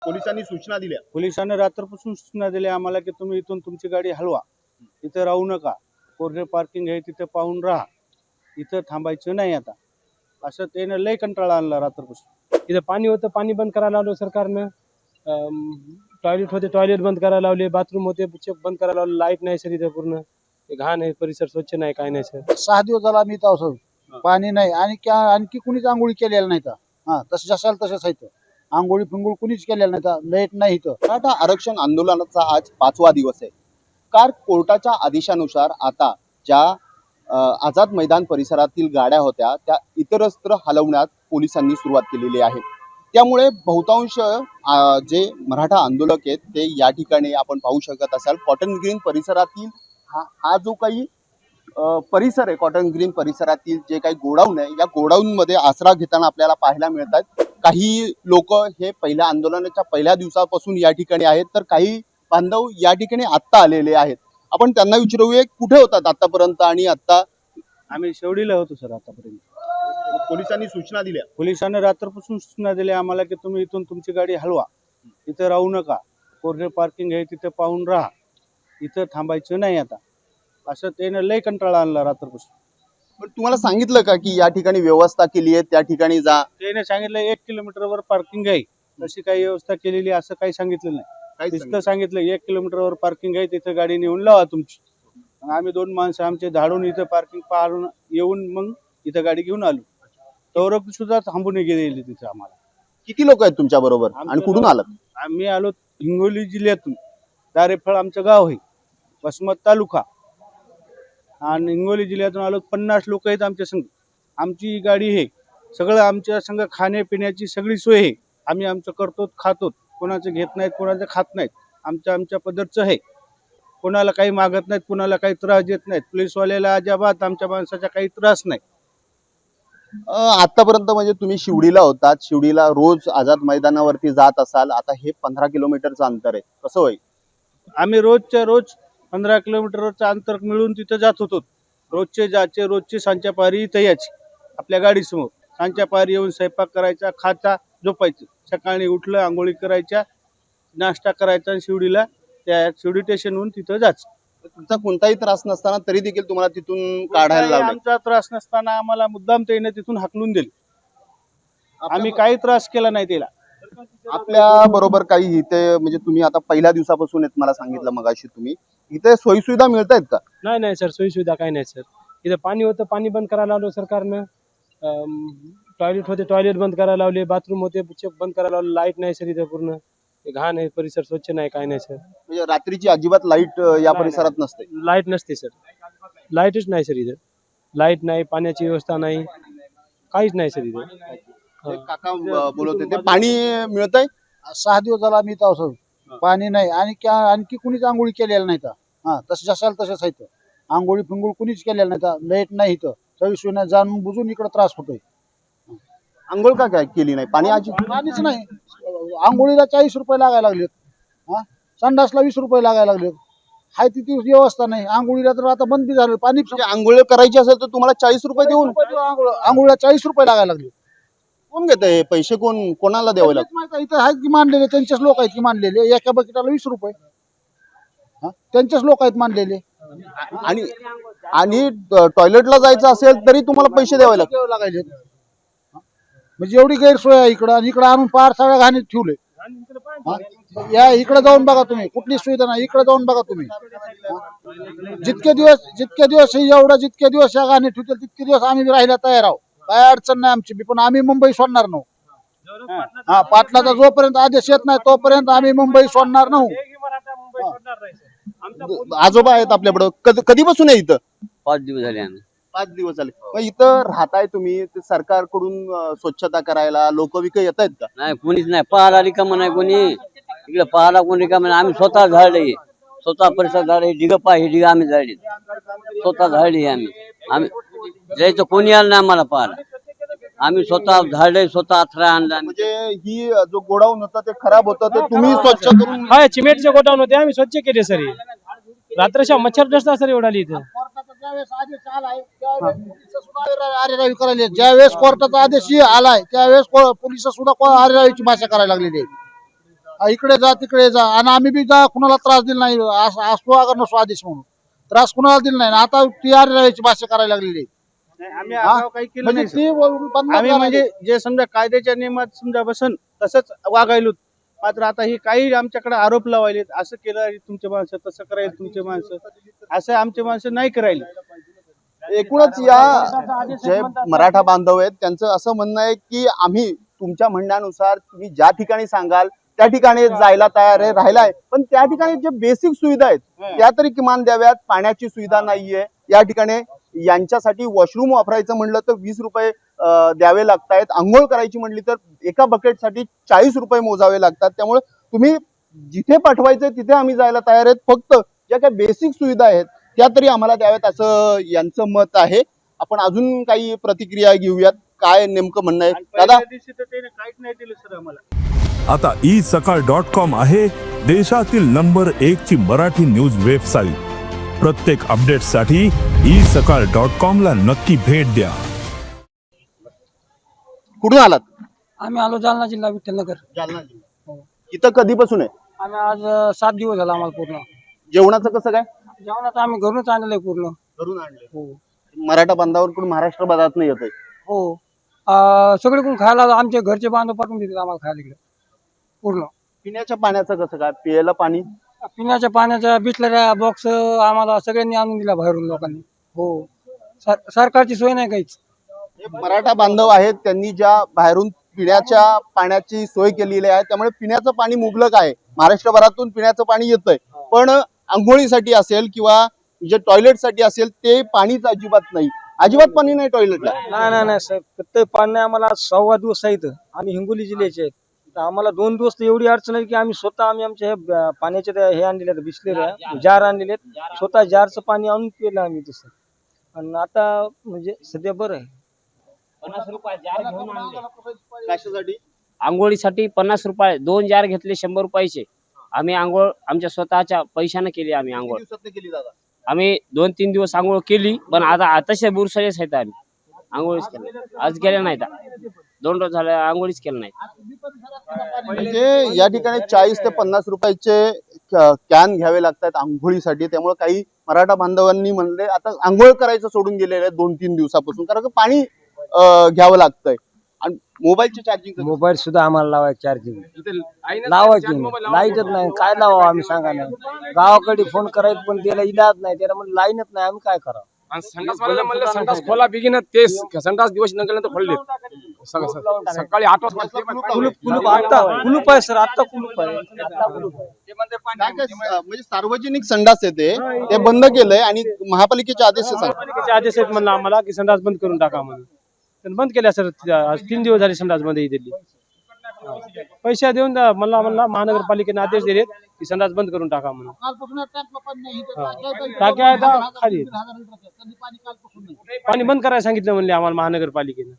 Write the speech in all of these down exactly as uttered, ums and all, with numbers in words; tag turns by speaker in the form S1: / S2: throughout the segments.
S1: पोलिसांनी सूचना दिल्या.
S2: पोलिसांनी रात्रपासून सूचना दिल्या आम्हाला की तुम्ही इथून तुमची गाडी हलवा, इथं राहू नका, कोरडे पार्किंग आहे तिथे पाहून राहा, इथं थांबायचं नाही. आता असं त्यानं लय कंटाळा आणला रात्रपासून.
S3: इथं पाणी होतं, पाणी बंद करायला लावलं सरकारनं. टॉयलेट होते, टॉयलेट बंद करायला लावले. बाथरूम होते, बंद करायला लावले. लाईट नाही सर इथं, पूर्ण घाण आहे, परिसर स्वच्छ नाही, काय नाही सर.
S4: सहा दिवस झाला मी इथं असं पाणी नाही आणि क्या आणखी कुणीच आंघोळी केलेल्या नाही तर हा तसं जसाल तसंच आहे. आंघोळी फिंगोळी कुणीच केलेलं नाही तर लाईट नाही इथं.
S1: मराठा आरक्षण आंदोलनाचा आज पाचवा दिवस आहे. कार कोर्टाच्या आदेशानुसार आता ज्या अ, आझाद मैदान परिसरातील गाड्या होत्या त्या इतरत्र हलवण्यात पोलिसांनी सुरुवात केलेली आहे. त्यामुळे बहुतांश अ, जे मराठा आंदोलक आहेत ते या ठिकाणी आपण पाहू शकत असाल कॉटन ग्रीन परिसरातील हा हा जो काही अ, परिसर आहे, कॉटन ग्रीन परिसरातील जे काही गोडाऊन आहे या गोडाऊन मध्ये आसरा घेताना आपल्याला पाहायला मिळतात. काही लोक हे पहिल्या आंदोलनाच्या पहिल्या दिवसापासून या ठिकाणी आहेत, तर काही बांधव या ठिकाणी आत्ता आलेले आहेत. आपण त्यांना विचारूया कुठे होतात आतापर्यंत आणि आता.
S2: आम्ही शेवडीला होतो सर आतापर्यंत.
S1: पोलिसांनी सूचना दिल्या.
S2: पोलिसांनी रात्रपासून सूचना दिल्या आम्हाला की तुम्ही इथून तुमची गाडी हलवा, इथं राहू नका, कोरडे पार्किंग आहे तिथे पाहून राहा, इथं थांबायचं नाही. आता असं त्यानं लय कंटाळा आणला रात्रपासून.
S1: पण तुम्हाला सांगितलं का की या ठिकाणी व्यवस्था केली आहे, त्या ठिकाणी जा?
S2: त्याने सांगितलं एक किलोमीटरवर पार्किंग आहे, तशी काही व्यवस्था केलेली असं काही सांगितलं नाही. नुसतं सांगितलं एक किलोमीटरवर पार्किंग आहे, तिथं गाडी नेऊन लावा तुमची. आम्ही दोन माणसं आमचे धाडून इथं पार्किंग पारून येऊन मग इथं गाडी घेऊन आलो. तवरक सुद्धा थांबून गेलेली तिथं आम्हाला.
S1: किती लोक आहेत तुमच्या बरोबर आणि कुठून आलात?
S2: आम्ही आलो हिंगोली जिल्ह्यातून. दारेफळ आमचं गाव आहे, वसमत तालुका, आणि हिंगोली जिल्ह्यातून आलो. पन्नास लोक आहेत आमच्या संघ. आमची गाडी आहे, सगळं आमच्या संघ खाण्यापिण्याची सगळी सोय आहे. आम्ही आमचं करतो, खातो, कोणाचं घेत नाहीत, कोणाचं खात नाहीत. आमच्या आमच्या पद्धतचं आहे, कोणाला काही मागत नाहीत, कोणाला काही त्रास देत नाहीत. पोलीसवाल्याला अजिबात आमच्या माणसाचा काही त्रास नाही.
S1: आतापर्यंत म्हणजे तुम्ही शिवडीला होतात, शिवडीला रोज आझाद मैदानावरती जात असाल. आता हे पंधरा किलोमीटरचं अंतर आहे, कसं होईल?
S2: आम्ही रोजच्या रोज पंधरा किलोमीटरचं अंतर मिळून तिथं जात होतो. रोजचे जायचे, रोजची सांच्या पारी इथं यायची आपल्या गाडीसमोर. सांच्या पारी येऊन स्वयंपाक करायचा, खायचा, झोपायचं. सकाळी उठलं, आंघोळी करायच्या, नाश्ता करायचा आणि शिवडीला त्या शिवडी स्टेशनहून तिथं जायचं.
S1: तुमचा कोणताही त्रास नसताना तरी देखील तुम्हाला तिथून काढायला लावलं?
S2: आमचा त्रास नसताना आम्हाला मुद्दाम त्याने तिथून हाकलून दिले. आम्ही काही त्रास केला नाही त्याला.
S1: आपल्या बरोबर काही इथे म्हणजे तुम्ही आता पहिल्या दिवसापासून येत मला सांगितलं मगाशी, तुम्ही इथे सोयीसुविधा मिळत आहेत का?
S3: नाही नाही सर, सोयी सुविधा काही नाही सर. इथं पाणी होतं, पाणी बंद करायला लावलं सरकारनं. टॉयलेट होते, टॉयलेट बंद करायला लावले. बाथरूम होते, बंद करायला लावले. लाईट नाही सर इथं, पूर्ण घाण आहे, परिसर स्वच्छ नाही, काय नाही सर.
S1: म्हणजे रात्रीची अजिबात लाईट या परिसरात नसते?
S3: लाईट नसते सर, लाईटच नाही सर इथं. लाईट नाही, पाण्याची व्यवस्था नाही, काहीच नाही सर इथं.
S1: ते काका बोलत होते, पाणी मिळतंय.
S4: सहा दिवस झाला मी इथं असं पाणी नाही आणि क्या आणखी कुणीच आंघोळी केलेल्या नाही तर हा तसं जसाल तसंच आहे. आंघोळी फिंगोळी कुणीच केलेलं नाही तर लाईट नाही इथं. चोवीस नाही, जाणून बुजून इकडे त्रास होतोय.
S1: आंघोळ का काय केली नाही? पाणी आज
S4: पाणीच नाही. आंघोळीला चाळीस रुपये लागायला लागलेत, हा संडासला वीस रुपये लागायला लागलेत. हाय तिथे व्यवस्था नाही. आंघोळीला तर आता बंद बी झालं. पाणी
S1: आंघोळ करायची असेल तर तुम्हाला चाळीस रुपये देऊन
S4: आंघोळीला चाळीस रुपये लागायला लागले.
S1: कोण घेत हे पैसे? कोण कोणाला द्यावे लागतात?
S4: इथं आहेत की मानलेले, त्यांचेच लोक आहेत की मानलेले. एका बकेटाला वीस रुपये, हा त्यांचेच लोक आहेत मानलेले.
S1: आणि आणि टॉयलेटला जायचं असेल तरी तुम्हाला पैसे द्यावे लागतात
S4: लागायचे. म्हणजे एवढी गैरसोय आहे इकडं, आणि इकडं आणून पार सगळ्या घाणीत ठेवले. या इकडे जाऊन बघा तुम्ही, कुठली सुविधा नाही. इकडे जाऊन बघा तुम्ही. जितके दिवस जितके दिवस एवढं जितके दिवस या घाणीत ठेवतील तितके दिवस आम्ही राहायला तयार आहोत. काय अडचण नाही आमची बी, पण आम्ही मुंबई सोडणार नाही. हा पाटलाचा जोपर्यंत आदेश येत नाही तोपर्यंत आम्ही मुंबई सोडणार नाही.
S1: आजोबा आहेत आपल्याकडं, कधी कधीपासून आहे इथं?
S5: पाच दिवस झाले आम्ही.
S1: पाच दिवस झाले. मग इथं राहताय तुम्ही, ते सरकारकडून अं, स्वच्छता करायला लोक विक येत आहेत का?
S5: नाही, कोणीच नाही. पाहायला रिकामं नाही कोणी इकडे. पाहायला कोणी रिकामं नाही. आम्ही स्वतः झाडले, स्वतः परिसर झाडे. डिग पा हे डिग आम्ही झाडले, स्वतः झाडली आम्ही. आम्ही जायचं कोणी आलं नाही आम्हाला पाहायला. आम्ही स्वतः झाडले, स्वतः अथरा आणला.
S1: म्हणजे ही जो गोडाऊन होतं ते खराब होतं, ते तुम्ही स्वच्छ करून?
S3: हा, चिमेटचे गोडाऊन होते, आम्ही स्वच्छ केले सर. रात्रच्या मच्छर नसता सर एवढा इथं.
S4: ज्यावेळेस कोर्टाचा आदेश आलाय त्यावेळेस पोलिस सुद्धा आरेरावीची भाषा करायला लागलेली आहे. हा, इकडे जा तिकडे जा आणि आम्ही बी जा कुणाला त्रास दिला नाही अस- असतो अगर नसो आदेश म्हणून त्रास कुणाला दिला नाही आणि आता टी आर याची भाषा करायला लागलेली आहे.
S2: नाही, आम्ही
S4: हा?
S2: आगाऊ काही केलं
S4: म्हणजे
S2: नाही सर.
S4: ती बंद
S2: आम्ही
S4: करा
S2: म्हणजे जे समजा कायद्याच्या नियमात समजा बसन तसंच वागायलो. मात्र आता ही काही आमच्याकडे आरोप लावायले, असं केलं तुमचे माणसं, तसं करायला तुमचे माणसं, असं आमचे माणसं नाही करायले.
S1: एकूणच या जे मराठा बांधव आहेत त्यांचं असं म्हणणं आहे की आम्ही तुमच्या म्हणण्यानुसार तुम्ही ज्या ठिकाणी सांगाल त्या ठिकाणी जायला तयार आहे, राहिला आहे, पण त्या ठिकाणी जे बेसिक सुविधा आहेत त्या तरी किमान द्याव्यात. पाण्याची सुविधा नाहीये या ठिकाणी. यांच्यासाठी वॉशरूम वापरायचं म्हणलं तर वीस रुपये अं, द्यावे लागतायत. आंघोळ करायची म्हणली तर एका बकेटसाठी चाळीस रुपये मोजावे लागतात. त्यामुळे तुम्ही जिथे पाठवायचं तिथे आम्ही जायला तयार आहेत, फक्त ज्या काही बेसिक सुविधा आहेत त्या तरी आम्हाला द्याव्यात असं यांचं मत आहे. आपण अजून काही प्रतिक्रिया घेऊयात, काय नेमकं म्हणणं आहे
S2: आणि
S1: दादा.
S2: पहिल्या दिवशी तर त्याने काहीच नाही दिलं सर आम्हाला.
S6: आता ई सकाळ डॉट कॉम आहे देशातील नंबर एक ची मराठी न्यूज वेबसाईट. प्रत्येक अपडेटसाठी ई सकाळ डॉट कॉम ला नक्की भेट द्या.
S1: कुठून आलात?
S7: आम्ही आलो जालना जिल्हा विठ्ठलनगर.
S1: जालना जिल्हा. इथं कधीपासून आहे?
S7: आम्ही आज अ, सात दिवस झाला आम्हाला पूर्ण.
S1: जेवणाचं कसं काय?
S7: जेवणात आम्ही घरूनच आणलेलं आहे पूर्ण.
S1: घरून आणले.
S7: हो
S1: मराठा बांधावरकडून महाराष्ट्र बाजारात नाही येत आहे.
S7: हो अ, सगळीकडून खायला आमचे घरचे बांधव पाठवून देतात आम्हाला खायला इकडे पूर्ण.
S1: पिण्याच्या पाण्याचं कसं काय? प्यायला पाणी
S7: पिण्याच्या पाण्याच्या बिसलऱ्या बॉक्स आम्हाला सगळ्यांनी आणून दिला बाहेरून लोकांनी. हो सर सरकारची सोय नाही काहीच.
S1: हे मराठा बांधव आहेत त्यांनी ज्या बाहेरून पिण्याच्या पाण्याची सोय केलेली आहे, त्यामुळे पिण्याचं पाणी मुबलक आहे. महाराष्ट्रभरातून पिण्याचं पाणी येतंय, पण आंघोळीसाठी असेल किंवा जे टॉयलेटसाठी असेल ते पाणीच अजिबात नाही. अजिबात पाणी नाही टॉयलेटला.
S8: नाही नाही नाही साहेब, प्रत्येक पाणी आम्हाला सव्वा दिवस आहे इथं. आम्ही हिंगोली जिल्ह्याचे आहेत. तर आम्हाला दोन दिवस तर एवढी अडचण आहे की आम्ही स्वतः आम्ही आमच्या हे ब- पाण्याचे ते हे आणलेले आहेत, बिसलेले जार आणलेले आहेत. स्वतः जारचं पाणी आणून पिलं आम्ही तसं. आणि आता म्हणजे सध्या बरं आहे.
S1: कशासाठी?
S9: आंघोळीसाठी पन्नास रुपये दोन जार घेतले शंभर रुपयाचे. आम्ही आंघोळ आमच्या स्वतःच्या पैशाने केली. आम्ही आंघोळ
S1: किती दिवसात केली दादा?
S9: आम्ही दोन तीन दिवस आंघोळ केली, पण आता आताशा बुरसाळेच आहेत. आम्ही आंघोळीच केलं, आज गेल्या नाहीत. दोन रोज झाले आंघोळीच केलं नाही.
S1: म्हणजे या ठिकाणी चाळीस ते पन्नास रुपयाचे कॅन घ्यावे लागतात आंघोळीसाठी. त्यामुळे काही मराठा बांधवांनी म्हणले आता आंघोळ करायचं सोडून गेलेले आहेत दोन तीन दिवसापासून, कारण का पाणी अं, घ्यावं लागतंय. आणि मोबाईलचे चार्जिंग
S8: मोबाईल सुद्धा आम्हाला लावायचं चार्जिंग लावायची लाईटच नाही. काय लावा आम्ही सांगा ना. गावाकडे फोन करायचं पण त्याला इलाज नाही. त्याला म्हणजे लाईनच नाही. आम्ही काय करावं.
S10: आणि संडास वाल्याला म्हणलं संडास खोला बिगिन ते संडास दिवस नंतर खोलले. सकाळी आठ वाजता
S7: कुलूप कुलूप आता कुलूप आहे सर, आता कुलूप आहे.
S1: काय काय म्हणजे सार्वजनिक संडास येते ते बंद केलंय आणि महापालिकेचे आदेश सांग.
S3: महापालिकेचे आदेश आहेत म्हणलं आम्हाला की संडास बंद करून टाका म्हणून. तर बंद केल्या सर. आज तीन दिवस झाले संडास बंद ही दिली. पैसे देऊन द्या म्हणला म्हणला महानगरपालिकेने आदेश दिलेत की संडास बंद करून टाका म्हणून.
S4: कालपासून या टँकला पाणी नाही. इथं
S3: हा.
S4: टाक्या आहेत,
S3: टाक्या आहेत,
S4: हजार-
S3: खाली आहेत.
S4: दीड हजार लिटरचं. त्यांनी पाणी कालपासून नाही.
S3: पाणी बंद करायला सांगितलं म्हणले आम्हाला महानगरपालिकेने.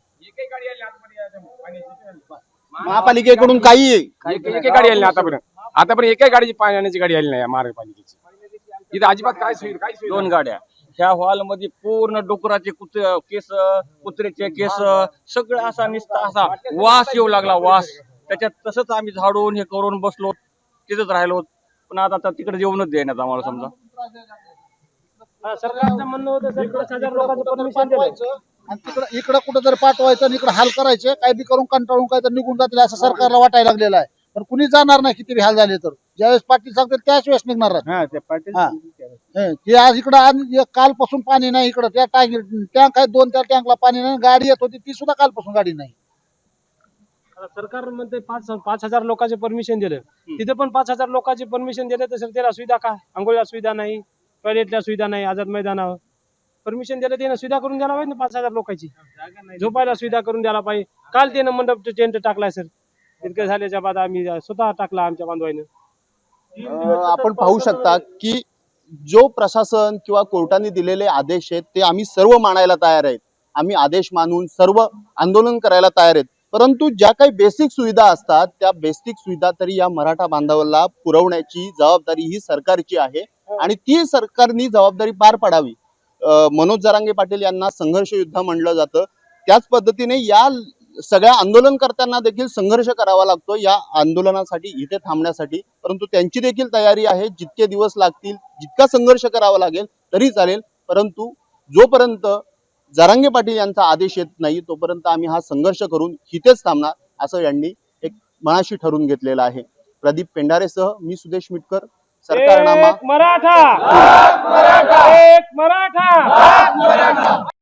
S1: महापालिकेकडून काही आहे.
S10: एक एक गाडी आली नाही आतापर्यंत. आतापर्यंत एकही गाडीची पाण्याची गाडी आली नाही महानगरपालिकेची. इथं अजिबात काय सोयी काय सोयी
S8: दोन गाड्या ह्या हॉल मध्ये पूर्ण डुकराचे कुत केस कुत्र्याचे केस सगळं असा निसता असा वास येऊ लागला. वास त्याच्यात तसंच आम्ही झाडून हे करून बसलो, तिथंच राहिलो. पण आता आता तिकडे जेवणच देण्यात आम्हाला समजा.
S3: हा, सरकारचं म्हणणं होतं सर पाच हजार लोकांचं परमिशन दिलं.
S4: आणि तिकडं इकडं कुठं जर पाठवायचं आणि इकडं हाल करायचे काय बी करून कंटाळून काय तर निघून जातील असं सरकारला वाटायला लागलेलं आहे. पण कुणी जाणार नाही किती बी हाल झाले तर. ज्यावेळेस पाटील सांगतील त्याच वेळेस निघणार आहेत.
S2: हा ते पाटील
S4: हा. हे, ते आज इकडं आणि एक कालपासून पाणी नाही इकडं. त्या टाकी टँक आहे दोन, त्या टँकला पाणी नाही. गाडी येत होती ती सुद्धा कालपासून गाडी नाही.
S3: आता सरकार म्हणते पाच पाच हजार लोकांचे परमिशन दिलं. तिथे पण पाच हजार लोकांचे परमिशन दिले तर सर त्याला सुविधा काय? आंघोळीला सुविधा नाही, टॉयलेटला सुविधा नाही. आझाद मैदानावर परमिशन दिलं त्यानं सुविधा करून द्यायला पाहिजे ना पाच हजार लोकांची. झोपायला सुविधा करून द्यायला पाहिजे. काल त्यानं मंडप टेंट टाकलाय सर. इतकं झाल्याच्या बाद आम्ही स्वतः टाकला आमच्या बांधवाईनं.
S1: अं, आपण पाहू शकता की जो प्रशासन किंवा कोर्टाने दिलेले आदेश आहेत ते आम्ही सर्व मानायला तयार आहेत. आम्ही आदेश मानून सर्व आंदोलन करायला तयार आहेत. परंतु ज्या काही बेसिक सुविधा असतात त्या बेसिक सुविधा तरी या मराठा बांधवाला पुरवण्याची जबाबदारी ही सरकारची आहे आणि ती सरकारनी जबाबदारी पार पाडावी. अं, मनोज जरांगे पाटील यांना संघर्ष युद्ध म्हणलं जातं. त्याच पद्धतीने या सगळ्या आंदोलनकर्त्यांना देखील संघर्ष करावा लागतो या आंदोलनासाठी, इथे थांबण्यासाठी, परंतु त्यांची देखील तयारी आहे. जितके दिवस लागतील, जितका संघर्ष करावा लागेल तरी चालेल, परंतु जोपर्यंत जरांगे पाटील यांचा आदेश येत नाही तोपर्यंत आम्ही हा संघर्ष करून इथेच थांबणार, असं यांनी एक मनाशी ठरवून घेतलेलं आहे. प्रदीप पेंढारेसह मी सुदेश मिटकर, सरकारनामा.
S3: मराठा एक मराठा